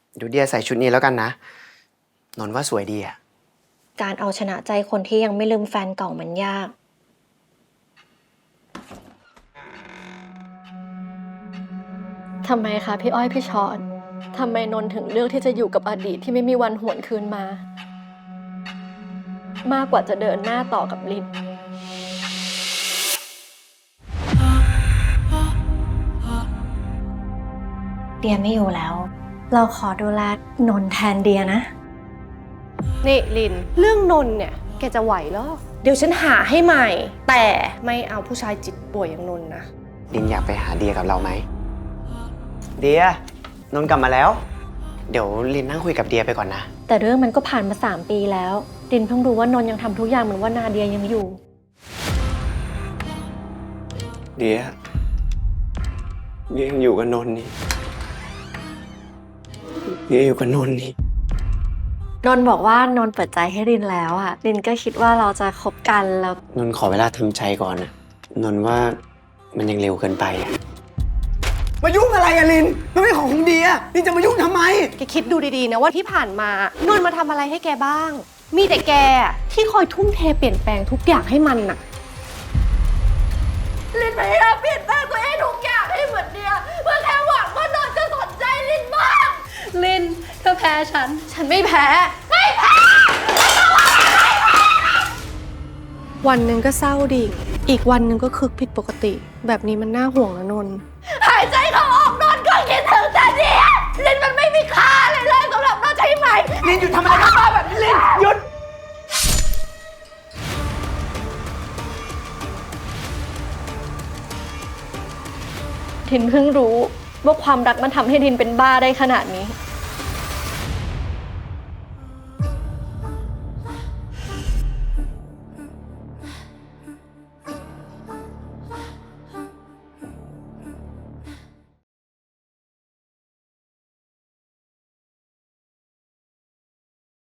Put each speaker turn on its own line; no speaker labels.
เดี๋ยวเดียใส่ชุดนี้แล้วกันนะนนท์ว่าสวยดีอะ
การเอาชนะใจคนที่ยังไม่ลืมแฟนเก่ามันยาก ทำไมคะพี่อ้อยพี่ชอ็อตทำไมนนท์ถึงเลือกที่จะอยู่กับอดีตที่ไม่มีวันหวนคืนมา มากกว่าจะเดินหน้าต่อกับลินเดียไม่อยู่แล้ว เราขอดูแลนนท์แทนเดียนะ
นี่ลินเรื่องนนท์เนี่ยแกจะไหวเหรอเดี๋ยวฉันหาให้ใหม่ แต่ไม่เอาผู้ชายจิตป่วยอย่างนนท์นะ
ลินอยากไปหาเดียกับเราไหมเดียนนท์กลับมาแล้ว เดี๋ยวลินนั่งคุยกับเดียไปก่อนนะ
แต่เรื่องมันก็ผ่านมา3 ปีแล้วลินเพิ่งรู้ว่านนท์ยังทำทุกอย่างเหมือนว่านาเดียยังอยู่
เดียยังอยู่กับนนท์นี่เดียอยู่กับนนท์นี่
นนท์บอกว่านนท์เปิดใจให้ลินแล้วอ่ะลินก็คิดว่าเราจะคบกันแล้ว
นนท์ขอเวลาทำใจก่อนนะนนท์ว่ามันยังเร็วเกินไปอะมายุ่งอะไรอะลินมันไม่ของเดียลินจะมายุ่งทำไม
แกคิดดูดีๆนะว่าที่ผ่านมานนท์มาทำอะไรให้แกบ้าง มีแต่แกที่คอยทุ่มเทเปลี่ยนแปลงทุกอย่างให้มันน่ะลินพยายามเปลี่ยนแปลงตัวเองทุกอย่างให้เหมือนเดียเพื่อแค่หวังว่านนท์จะสนใจลินบ้างลินเธอแพ้ฉันไม่แพ้วันหนึ่งก็เศร้าดิ่งอีกวันหนึ่งก็คึกผิดปกติแบบนี้มันน่าห่วงนะนนท์หายใจเข้าออกนนท์ก็คิดถึงแต่เดียลินมันไม่มีค่าเลยสำหรับนนท์ใช่ไหม
ลินหยุดทำอะไรบ้าๆแบบนี้ลินหยุด
ลินเพิ่งรู้ว่าความรักมันทำให้ลินเป็นบ้าได้ขนาดนี้